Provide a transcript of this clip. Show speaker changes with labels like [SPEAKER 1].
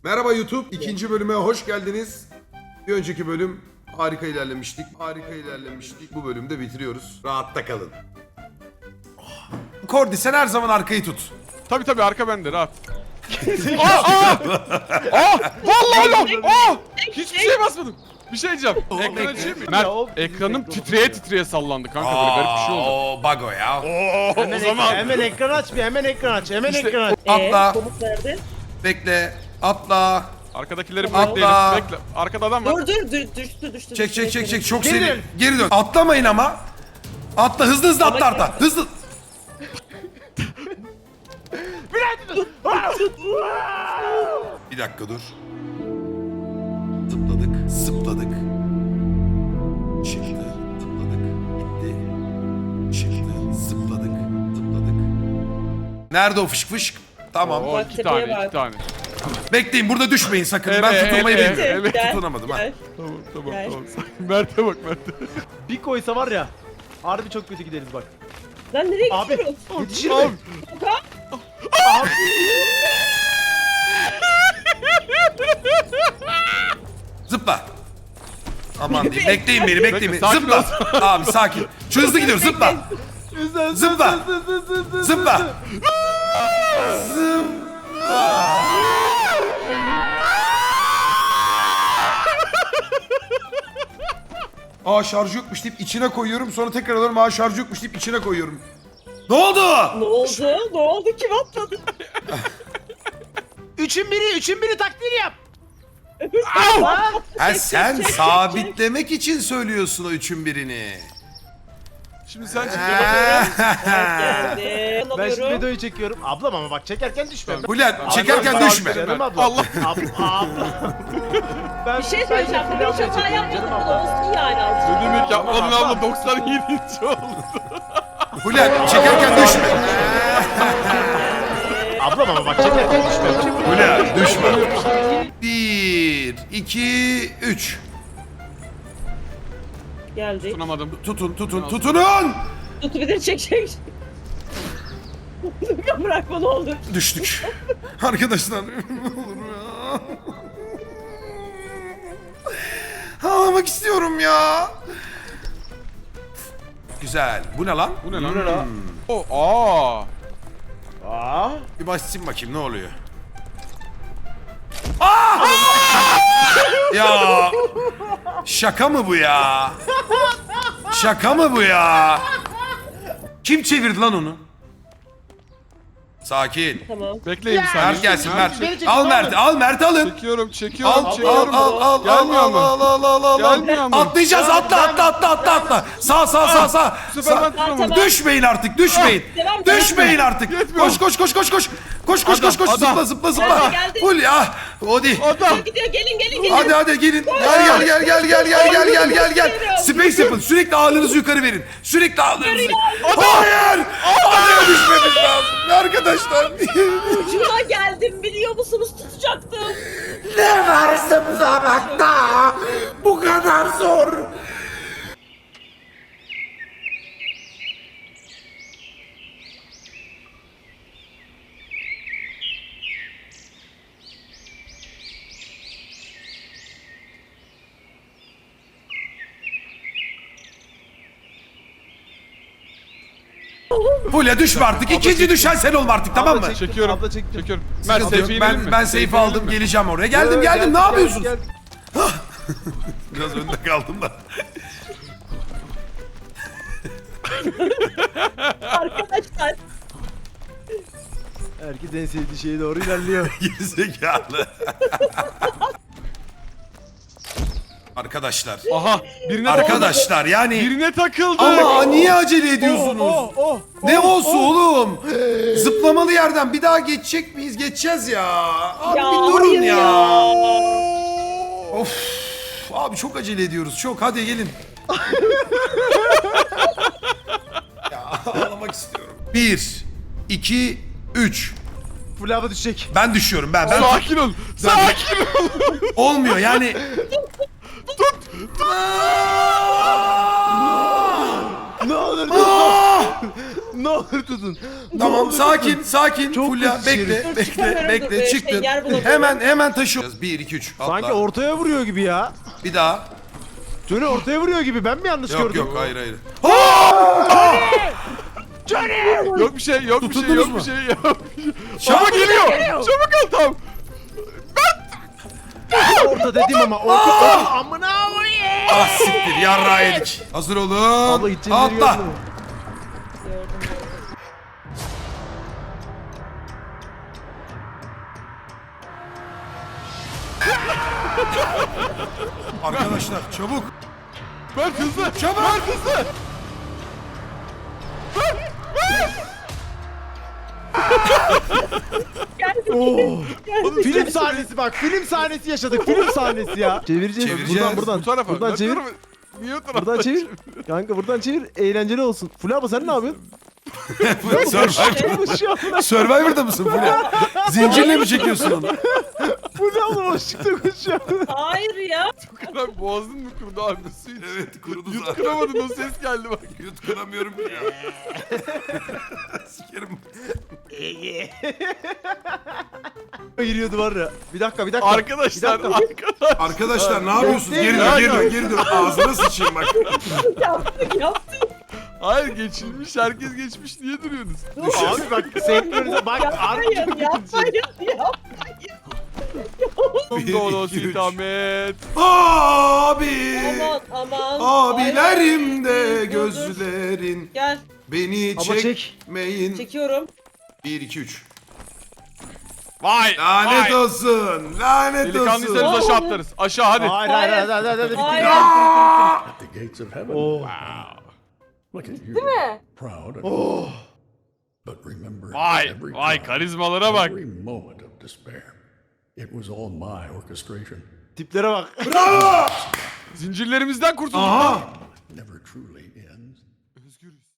[SPEAKER 1] Merhaba YouTube, ikinci bölüme hoş geldiniz. Bir önceki bölüm harika ilerlemiştik. Bu bölümde bitiriyoruz. Rahatta kalın. Kordi sen her zaman arkayı tut.
[SPEAKER 2] Tabii arka bende rahat. Vallahi lan! Hiçbir şeye basmadım. Bir şey diyeceğim. Ekran açayım mı? Mert, ekranım titreye sallandı kanka, böyle garip bir şey oldu.
[SPEAKER 1] O bago ya.
[SPEAKER 2] O zaman
[SPEAKER 3] Hemen ekran aç bir, hemen ekran aç, hemen
[SPEAKER 2] İşte-
[SPEAKER 3] ekran aç.
[SPEAKER 1] Atla,
[SPEAKER 4] Komut nerede?
[SPEAKER 1] bekle, atla.
[SPEAKER 2] arkadakileri
[SPEAKER 1] Allah!
[SPEAKER 2] bekleyelim. Bekle. Arkada adam var.
[SPEAKER 4] Dur düştü.
[SPEAKER 1] Çek. Çok
[SPEAKER 3] Geri
[SPEAKER 1] seri.
[SPEAKER 3] dön.
[SPEAKER 1] Geri dön. Atlamayın ama. Atla hızlı atla arta. Hızlı. Bir dakika dur. Zıpladık. Çıktı. Zıpladık. Gitti. Çıktı. Zıpladık. Nerede o fışk? Tamam.
[SPEAKER 2] Oo,
[SPEAKER 4] Bak,
[SPEAKER 2] iki
[SPEAKER 4] tepeye
[SPEAKER 2] tane.
[SPEAKER 4] bak.
[SPEAKER 1] Bekleyin burada düşmeyin sakın. Ben
[SPEAKER 2] Evet,
[SPEAKER 1] tutulmayı
[SPEAKER 2] evet,
[SPEAKER 1] bilmiyorum.
[SPEAKER 2] evet.
[SPEAKER 4] Gel,
[SPEAKER 1] Tutunamadım ha.
[SPEAKER 4] gel.
[SPEAKER 2] Tamam.
[SPEAKER 4] Gel.
[SPEAKER 2] Mert'e bak Mert'e.
[SPEAKER 3] Bir koysa var ya, harbi çok kötü gideriz bak.
[SPEAKER 4] Lan nereye
[SPEAKER 3] Abi,
[SPEAKER 4] gidiyoruz?
[SPEAKER 3] yetişir
[SPEAKER 2] Abi.
[SPEAKER 3] mi?
[SPEAKER 4] Kanka,
[SPEAKER 1] Zıpla. Aman diyeyim. Bekleyin beni.
[SPEAKER 2] Bekle, sakin
[SPEAKER 1] Zıpla.
[SPEAKER 2] ol.
[SPEAKER 1] Abi sakin. Şu hızlı gidiyor. Zıpla. Zıpla. Zıpla. Aa şarjı yokmuş deyip içine koyuyorum. Sonra tekrar alıyorum. Aa şarjı yokmuş deyip içine koyuyorum. Ne oldu?
[SPEAKER 4] ne oldu? Kim atladı?
[SPEAKER 3] Üçün biri taktiğini yap.
[SPEAKER 1] Ha sen sabitlemek için söylüyorsun o üçün birini.
[SPEAKER 2] Şimdi sen çık.
[SPEAKER 4] Geldi.
[SPEAKER 3] Ben şimdi
[SPEAKER 4] Alıyorum.
[SPEAKER 3] videoyu çekiyorum. Ablam ama bak çekerken düşme.
[SPEAKER 1] Bülent çekerken
[SPEAKER 2] Abi,
[SPEAKER 1] düşme.
[SPEAKER 3] Canım abla.
[SPEAKER 2] Allah.
[SPEAKER 3] Abla. Ben
[SPEAKER 4] Bir şey söyleyeceğim.
[SPEAKER 3] ben
[SPEAKER 4] Ben hiç
[SPEAKER 3] videoyu
[SPEAKER 4] hata
[SPEAKER 3] çekiyorum
[SPEAKER 4] yapmadım.
[SPEAKER 3] canım
[SPEAKER 4] Bu da
[SPEAKER 3] abla.
[SPEAKER 4] olsun yani azıcık.
[SPEAKER 2] Ne demek yapmadın abla, 97. oldu.
[SPEAKER 1] Bülent çekerken düşme.
[SPEAKER 3] Ablam ama bak çekerken düşme.
[SPEAKER 1] Bülent düşme. 1, 2, 3.
[SPEAKER 4] Geldi.
[SPEAKER 2] Tutunamadım.
[SPEAKER 1] Tutunun.
[SPEAKER 4] Tut bir de çek. Bırakma ne olur.
[SPEAKER 1] Düştük. Arkadaşlar. Ne olur ya. Ağlamak istiyorum ya. Güzel. Bu ne lan?
[SPEAKER 2] Bu ne lan? Aa.
[SPEAKER 3] Aa.
[SPEAKER 1] Bir basayım bakayım ne oluyor. Aa! Ya şaka mı bu ya? Şaka mı bu ya? Kim çevirdi lan onu? Sakin.
[SPEAKER 4] Tamam.
[SPEAKER 2] Bekleyin bir saniye.
[SPEAKER 1] Mert gelsin Mert.
[SPEAKER 3] Beni çekin,
[SPEAKER 1] Al
[SPEAKER 3] abi.
[SPEAKER 1] Mert'i alın.
[SPEAKER 2] Çekiyorum.
[SPEAKER 1] Al.
[SPEAKER 2] Gelmiyor mu? Gelmiyor mu?
[SPEAKER 1] Atlayacağız atla. Sağ.
[SPEAKER 2] Bu sefer ben tutamadım.
[SPEAKER 4] Tamam.
[SPEAKER 1] Düşmeyin artık düşmeyin.
[SPEAKER 4] Devam.
[SPEAKER 1] Düşmeyin artık.
[SPEAKER 2] Yetmiyor.
[SPEAKER 1] Koş.
[SPEAKER 2] Adam.
[SPEAKER 1] Zıpla.
[SPEAKER 4] Geldi.
[SPEAKER 1] Full ya. Hadi.
[SPEAKER 2] Adam.
[SPEAKER 4] Gidiyor gelin.
[SPEAKER 1] Hadi gelin. Gel. Space yapın. Sürekli ağırlığınızı yukarı verin. Hayır. Adaya düşmemiz lazım. Arkadaşlar.
[SPEAKER 4] Ucuna geldim biliyor musunuz? Tutacaktım.
[SPEAKER 1] Ne var zıplamakta? Bu kadar zor. Fulya düşme artık. İkinci düşen sen olma artık tamam mı?
[SPEAKER 2] Çekiyorum.
[SPEAKER 3] Abla çektim.
[SPEAKER 2] Çekiyorum. Mert
[SPEAKER 1] Sıkıntı yok.
[SPEAKER 2] seyfe inelim mi?
[SPEAKER 1] Ben seyfe aldım
[SPEAKER 2] inelim mi?
[SPEAKER 1] geleceğim oraya. Geldim. Ne yapıyorsun?
[SPEAKER 3] Gel.
[SPEAKER 1] Biraz önde kaldım da.
[SPEAKER 4] Arkadaşlar.
[SPEAKER 3] Herkes en sevdiği şeye doğru ilerliyor.
[SPEAKER 1] Gerizekalı. Arkadaşlar.
[SPEAKER 2] Aha.
[SPEAKER 1] Arkadaşlar yani.
[SPEAKER 2] Birine takıldık.
[SPEAKER 1] Ama niye acele ediyorsunuz? Ne olsun oğlum? Zıplamalı yerden bir daha geçecek miyiz? Geçeceğiz ya. Abi
[SPEAKER 4] Ya,
[SPEAKER 1] bir durun
[SPEAKER 4] hayır
[SPEAKER 1] ya.
[SPEAKER 4] ya.
[SPEAKER 1] Of. Abi çok acele ediyoruz. Çok. Hadi gelin. Ya ağlamak istiyorum. 1, 2, 3.
[SPEAKER 3] Full hava düşecek.
[SPEAKER 1] Ben düşüyorum ben.
[SPEAKER 2] Sakin ol. Sakin ol.
[SPEAKER 1] Olmuyor yani.
[SPEAKER 3] Ne olur
[SPEAKER 1] Aa!
[SPEAKER 3] ne ne olur tutun.
[SPEAKER 1] Tamam sakin sakin.
[SPEAKER 3] Çok
[SPEAKER 1] Fulya
[SPEAKER 3] kötü
[SPEAKER 1] bekle
[SPEAKER 3] şerif.
[SPEAKER 1] bekle
[SPEAKER 4] Çıkarım,
[SPEAKER 1] bekle çıktın.
[SPEAKER 4] yer bulamıyorum.
[SPEAKER 1] Hemen taşıyoruz. 1 2 3.
[SPEAKER 3] Sanki ortaya vuruyor gibi ya.
[SPEAKER 1] Bir daha.
[SPEAKER 3] Johnny ortaya vuruyor gibi. Ben mi yanlış
[SPEAKER 1] Yok
[SPEAKER 3] gördüm?
[SPEAKER 1] yok hayır hayır.
[SPEAKER 2] Yok bir şey, yok bir şey,
[SPEAKER 1] Tutundunuz
[SPEAKER 2] yok
[SPEAKER 1] mu?
[SPEAKER 2] bir şey, yok bir şey.
[SPEAKER 1] Çabuk
[SPEAKER 2] Ama geliyor. Çabuk ol tam.
[SPEAKER 3] Orta dedim ama. Orta. Amına koyayım.
[SPEAKER 1] Ah siktir yarrağı yedik. Hazır olun.
[SPEAKER 3] Abla gideceğim yeri
[SPEAKER 1] Atla.
[SPEAKER 3] gördün mü?
[SPEAKER 1] Arkadaşlar çabuk.
[SPEAKER 2] Mert hızlı.
[SPEAKER 1] Çabuk.
[SPEAKER 2] Mert hızlı.
[SPEAKER 3] Oo.
[SPEAKER 2] Oğlum,
[SPEAKER 3] Film sahnesi bak. Film sahnesi yaşadık. Film sahnesi ya. Çevireceğiz.
[SPEAKER 1] Çevireceğiz.
[SPEAKER 3] Buradan
[SPEAKER 2] Bu tarafa.
[SPEAKER 3] Buradan
[SPEAKER 2] Mert
[SPEAKER 3] çevir.
[SPEAKER 2] tarafa. Niye o tarafa?
[SPEAKER 3] Buradan çevir. Kanka buradan çevir. Eğlenceli olsun. Fulya abla sen ne yapıyorsun?
[SPEAKER 1] Survivor. Survivor'da mısın Fulya? Zincirle mi çekiyorsun onu?
[SPEAKER 3] Fulya abla boşlukta koşuyor.
[SPEAKER 4] Hayır ya.
[SPEAKER 2] Kadar boğazın mı kurudu abi? Su iç.
[SPEAKER 1] Evet kurudu zaten.
[SPEAKER 2] Yutkınamadın o ses geldi bak.
[SPEAKER 1] Yutkunamıyorum ki ya. Sikerim.
[SPEAKER 3] Giriyordu var ya. Bir dakika.
[SPEAKER 2] Arkadaşlar,
[SPEAKER 3] Bir dakika.
[SPEAKER 1] Arkadaşlar ne yapıyorsunuz?
[SPEAKER 3] Yok,
[SPEAKER 1] Geri
[SPEAKER 3] değil.
[SPEAKER 1] dön geri dön. Ağzına sıçayım bak.
[SPEAKER 4] Yaptık.
[SPEAKER 2] Hayır geçilmiş, herkes geçmiş. Niye duruyorsunuz?
[SPEAKER 3] Abi bak senkronize bak.
[SPEAKER 4] Yapmayın, yapmayın.
[SPEAKER 2] Dolo
[SPEAKER 1] iki, üç.
[SPEAKER 2] Sitamet.
[SPEAKER 1] Abi.
[SPEAKER 4] Aman.
[SPEAKER 1] Abilerim de
[SPEAKER 4] Ay, dur, dur.
[SPEAKER 1] gözlerin
[SPEAKER 4] Gel.
[SPEAKER 1] beni
[SPEAKER 3] Ama çek.
[SPEAKER 1] çekmeyin.
[SPEAKER 4] Çekiyorum.
[SPEAKER 1] 1 2 3.
[SPEAKER 2] Vay.
[SPEAKER 1] Lanet
[SPEAKER 2] vay.
[SPEAKER 1] olsun. Lanet
[SPEAKER 2] Delikanlıysanız
[SPEAKER 1] olsun.
[SPEAKER 2] aşağı atlarız. Aşağı hadi.
[SPEAKER 3] Hayır.
[SPEAKER 4] Hayır.
[SPEAKER 5] At the gates of heaven.
[SPEAKER 3] Oh.
[SPEAKER 5] Look at you. Proud and
[SPEAKER 3] Oh.
[SPEAKER 5] but remember
[SPEAKER 2] Vay.
[SPEAKER 5] every
[SPEAKER 2] Vay
[SPEAKER 5] time,
[SPEAKER 2] karizmalara bak.
[SPEAKER 5] every moment of despair. It was all my orchestration.
[SPEAKER 3] Tiplere bak.
[SPEAKER 1] Bravo.
[SPEAKER 2] Zincirlerimizden kurtulduk.
[SPEAKER 1] Aha.
[SPEAKER 5] Never truly ends.
[SPEAKER 2] Özgürüz.